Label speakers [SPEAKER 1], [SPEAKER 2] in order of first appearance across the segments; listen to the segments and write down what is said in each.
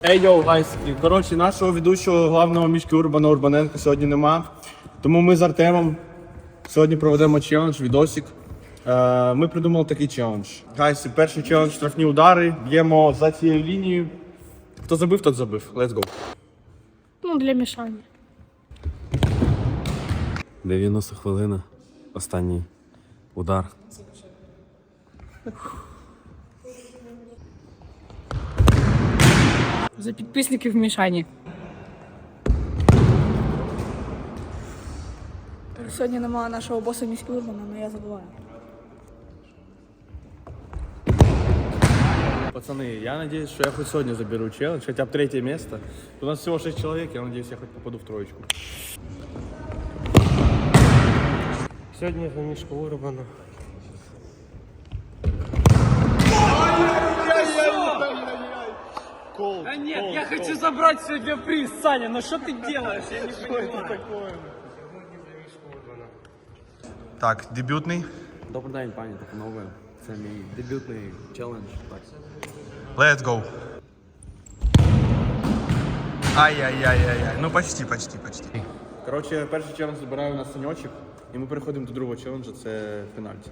[SPEAKER 1] Ей, йоу, гайс, коротше, нашого ведучого главного мішки Урбаненка сьогодні нема. Тому ми з Артемом сьогодні проведемо челендж, відосик. Ми придумали такий челендж. Гайс, перший челендж – штрафні удари, б'ємо за цією лінією. Хто забив, тот забив. Let's go.
[SPEAKER 2] Ну, для мішання.
[SPEAKER 3] 90 хвилина. Останній удар.
[SPEAKER 2] За підписників в мішанні.
[SPEAKER 4] Сьогодні немає нашого боса міського Урбана, але я забуваю.
[SPEAKER 1] Пацаны, я надеюсь, что я хоть сегодня заберу челлендж, хотя бы 3 место. У нас всего 6 человек, я надеюсь, я хоть попаду в троечку.
[SPEAKER 5] Сьогодні за мішку Урбана.
[SPEAKER 6] Да нет, я хочу забрать сегодня приз, Саня, но что ты делаешь? Я не понимаю.
[SPEAKER 1] Так, дебютний.
[SPEAKER 3] Добрий день, пані та панове. Це мій дебютний челендж. Так.
[SPEAKER 1] Let's go. Ай-яй-яй-яй-яй. Ну почти. Коротше, перший челендж забираю на саньочок, і ми переходимо до другого челенджа, це пенальті.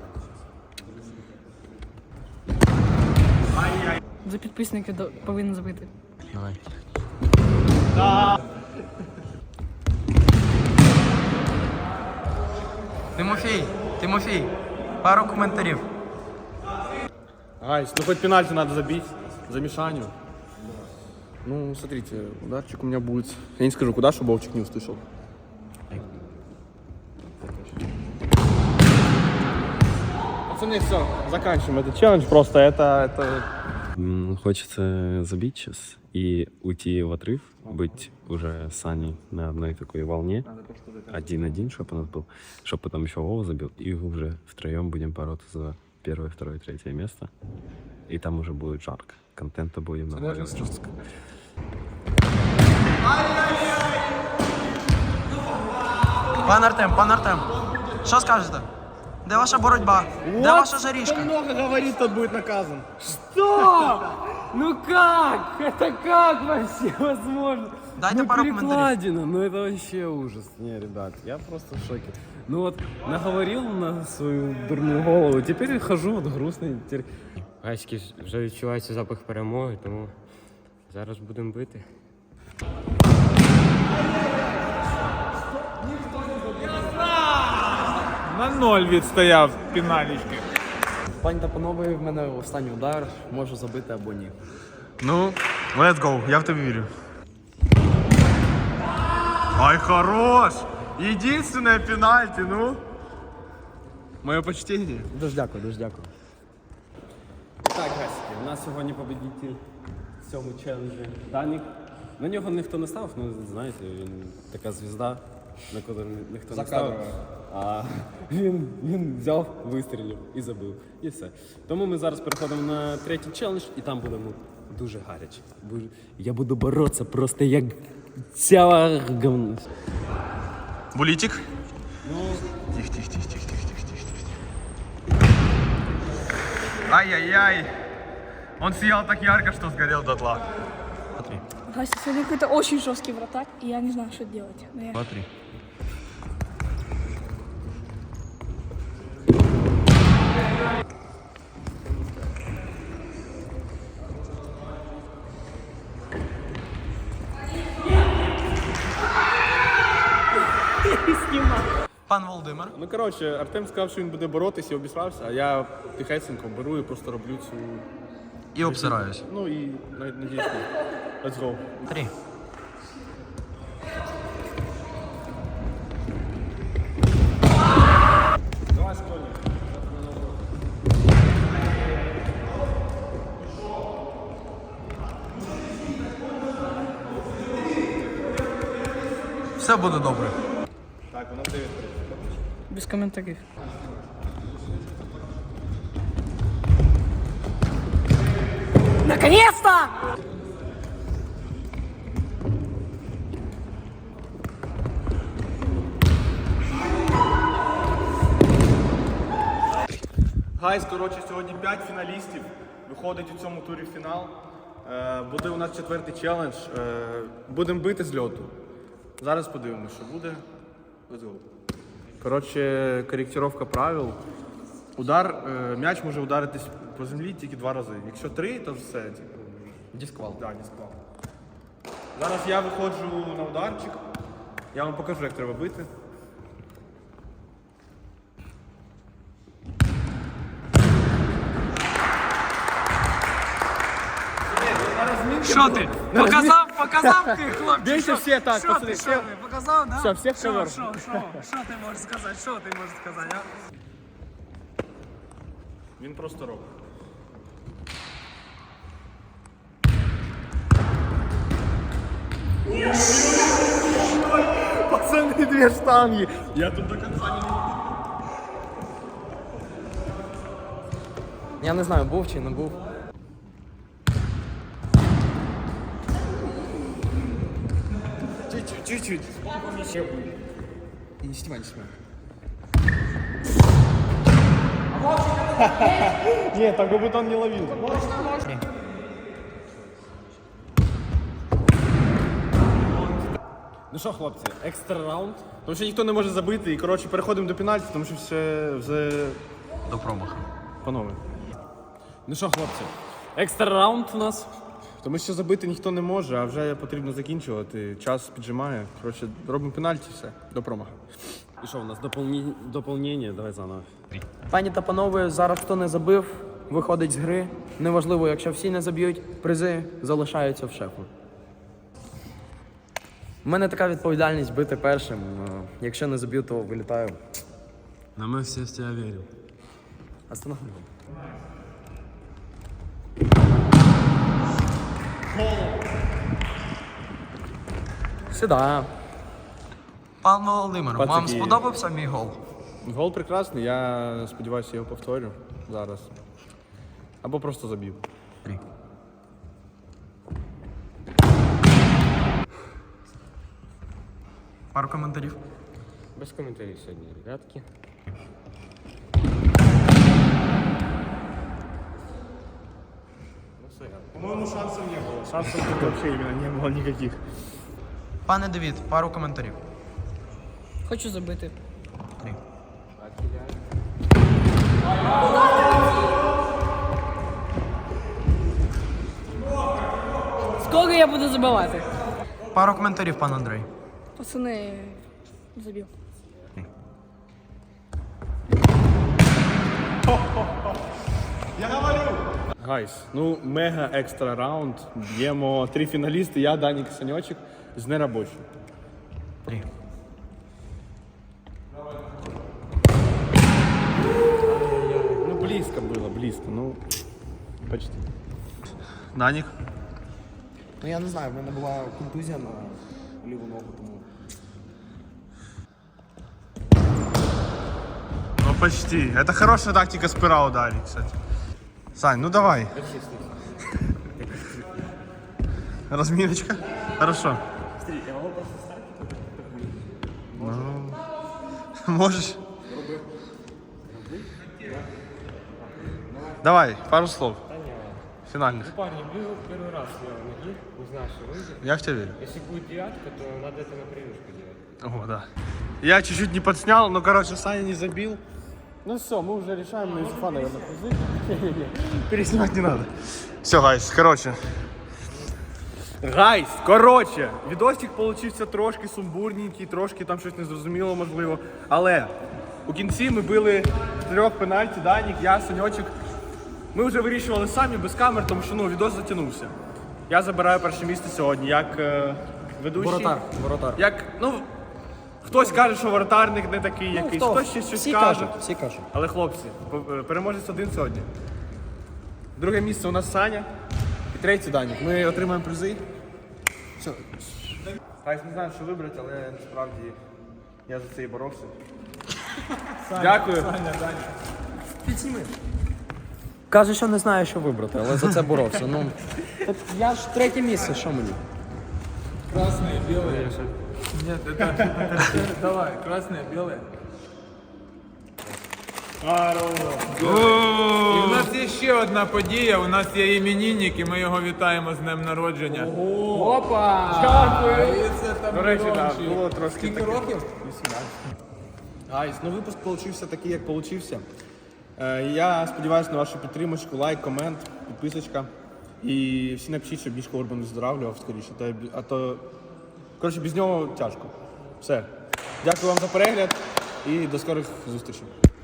[SPEAKER 2] За підписники повинен забити.
[SPEAKER 3] Давай.
[SPEAKER 7] Тимофій, пару коментарів.
[SPEAKER 1] Гайс, ну хоть пенальти надо забить за Мишаню. Ну, смотрите, ударчик у меня будет. Я не скажу, куда, чтобы Вовчик не услышал. Пацаны, все, заканчиваем этот челлендж. Просто это...
[SPEAKER 3] Хочется забить сейчас и уйти в отрыв, быть уже с Аней на одной такой волне. 1-1, чтобы у нас был, чтобы потом еще Вова забил, и уже втроем будем бороться за первое, второе, третье место. И там уже будет жарко. Контента будем наваливать жестко.
[SPEAKER 7] Пан Артем, що скажете? Де ваша боротьба? Де ваша жарішка?
[SPEAKER 1] много говорит, тот будет наказан.
[SPEAKER 6] Что? Ну как? Это как вообще возможно?
[SPEAKER 7] Дайте пару коментарів.
[SPEAKER 3] Перекладина, ну это вообще ужас. Не, ребят, я просто в шоке. Ну вот, наговорил на свою дурную голову, теперь хожу вот грустный.
[SPEAKER 5] Гайськи вже відчувається запах перемоги, тому зараз будемо бити.
[SPEAKER 8] На 0 відстояв пеналічки.
[SPEAKER 3] Пані та панове, в мене останній удар, можу забити або ні.
[SPEAKER 1] Ну, let's go, я в тебя верю. Ай, хорош! Единственное пенальти, ну. Мое почтение.
[SPEAKER 3] Дуже дякую. Так, гасики, у нас сьогодні победитель в цьому челенджі Данік. На нього ніхто не ставив, ну знаєте, він така звізда, на яку ніхто не ставив. А він взяв, вистрілив і забив. І все. Тому ми зараз переходимо на третій челендж і там будемо дуже гаряче. Я буду боротися просто як ця говно.
[SPEAKER 1] Булитик.
[SPEAKER 3] Ну,
[SPEAKER 1] Тихо. Ай-яй-яй. Он сиял так ярко, что сгорел дотла.
[SPEAKER 4] Гайс, сегодня какой-то очень жесткий вратарь, и я не знаю, что делать. Но я...
[SPEAKER 3] смотри.
[SPEAKER 7] Пан Володимир.
[SPEAKER 1] Ну, коротше, Артем сказав, що він буде боротися і обісрався, а я тихесенько беру і просто роблю цю...
[SPEAKER 7] І обсираюсь.
[SPEAKER 1] Ну і надіюсь, let's go.
[SPEAKER 7] 3.
[SPEAKER 1] Давай, школьник.
[SPEAKER 7] Все буде добре.
[SPEAKER 1] Так, воно 9-3.
[SPEAKER 2] Без коментарів.
[SPEAKER 4] Наконец-то!
[SPEAKER 1] Гайс, коротше, сьогодні 5 фіналістів виходить у цьому турі в фінал. Буде у нас 4-й челендж. Будемо бити з льоту. Зараз подивимося, що буде. Let's go. Коротше, коректировка правил. М'яч може ударитись по землі тільки 2 рази. Якщо 3, то все.
[SPEAKER 7] Дісквал.
[SPEAKER 1] Так, дисквал. Зараз я виходжу на ударчик. Я вам покажу, як треба бити.
[SPEAKER 6] Що ти? Показав ти, хлопчик.
[SPEAKER 1] Бейте всі так, пацани.
[SPEAKER 6] Що ти? Показав, да?
[SPEAKER 1] Все, всіх
[SPEAKER 6] Що
[SPEAKER 1] ковер.
[SPEAKER 6] ти можеш сказати? Що ти можеш сказати, а?
[SPEAKER 1] Він просто робить. Пацаны, 2 штанги. Я тут до конца не...
[SPEAKER 7] Я не знаю, був чи не був.
[SPEAKER 1] Чуть-чуть.
[SPEAKER 7] Не снимай, не снимай.
[SPEAKER 1] Нет, так как будто он не ловил.
[SPEAKER 3] Ну що, хлопці, екстра раунд.
[SPEAKER 1] Тому що ніхто не може забити. І, коротше, переходимо до пенальті, тому що все
[SPEAKER 7] До промаху.
[SPEAKER 1] панове.
[SPEAKER 3] Ну що, хлопці, екстра раунд у нас.
[SPEAKER 1] Тому що забити ніхто не може, а вже потрібно закінчувати. Час піджимає. Коротше, робимо пенальті, все, до промаху.
[SPEAKER 3] І що, у нас доповнення, давай заново.
[SPEAKER 7] Пані та панове, зараз хто не забив, виходить з гри. Неважливо, якщо всі не заб'ють, призи залишаються в шефу. У мене така відповідальність бити першим. Якщо не заб'ю, то вилітаю.
[SPEAKER 3] Но мы все в тебя верим.
[SPEAKER 7] Остановлю. Сюди. Пан Володимир, вам
[SPEAKER 1] Пацаки.
[SPEAKER 7] сподобався мій гол?
[SPEAKER 1] Гол прекрасний, я сподіваюся, його повторю зараз. Або просто заб'ю.
[SPEAKER 7] Пару коментарів.
[SPEAKER 5] Без коментарів сьогодні, ребятки.
[SPEAKER 1] По-моему, шансов не было. Шансов вообще именно не было никаких.
[SPEAKER 7] Пане Давід, пару коментарів.
[SPEAKER 2] Хочу забити. Скільки я буду забивати?
[SPEAKER 7] Пару коментарів, пан Андрей.
[SPEAKER 4] Пацаны, забил.
[SPEAKER 1] Гайс, ну мега екстра раунд. Б'ємо 3 фіналісти, я, Данік і Саньочек з неробочим.
[SPEAKER 7] 3.
[SPEAKER 1] Ну близько було, близько, ну почти. Данік?
[SPEAKER 7] Ну я не знаю, в мене була контузія на ліву ногу, тому.
[SPEAKER 1] Ну почти. Это хорошая тактика спира ударить, кстати. Сань, ну давай. Разминочка? Хорошо. Ну, можешь. Давай, пару слов. Финальных.
[SPEAKER 5] Парни, был первый раз я ноги, не знаю, что выйдет.
[SPEAKER 1] Я в тебя верю.
[SPEAKER 5] Если будет девятка, то надо это на привычку делать.
[SPEAKER 1] О, да. Я чуть-чуть не подснял, но, короче, Саня не забил. Ну все, мы уже решаем, на Юсуфа, наверное, призы. Переснимать не надо. Все, гайс, короче. Гайс, короче, відосик получився трошки сумбурненький, трошки там щось незрозуміло, можливо. Але у кінці ми били 3 пенальті, Данік, я, Саньочек. Ми вже вирішували самі без камер, тому що ну, відос затягнувся. Я забираю перше місце сьогодні, як ведучий.
[SPEAKER 7] Воротар.
[SPEAKER 1] Як, ну, хтось каже, що воротарник не такий якийсь, хтось ще щось каже.
[SPEAKER 7] Всі кажуть.
[SPEAKER 1] Але хлопці, переможець один сьогодні. Друге місце у нас Саня. І 3-й Данік. Ми отримаємо призи. Все. Гайс, не знаю, що вибрати, але насправді я за це і боровся. Дякую.
[SPEAKER 7] Каже, що не знає, що вибрати, але за це боровся. Ну, так я ж 3 місце, що мені?
[SPEAKER 8] Красные, белые. Нет, это... Давай, красные, белые. І в нас є ще одна подія. У нас є іменинник, і ми його вітаємо з днем народження. Опа! Дякую!
[SPEAKER 1] До речі, так, було трошки
[SPEAKER 8] Скільки
[SPEAKER 1] таке.
[SPEAKER 8] років?
[SPEAKER 1] Гайс, ну випуск получився такий, як получився. Я сподіваюся на вашу підтримку, лайк, комент, підписочка. І всі напишіть, щоб Мішка Урбан виздоравлював скоріше. А то, коротше, без нього тяжко. Все. Дякую вам за перегляд і до скорих зустрічей.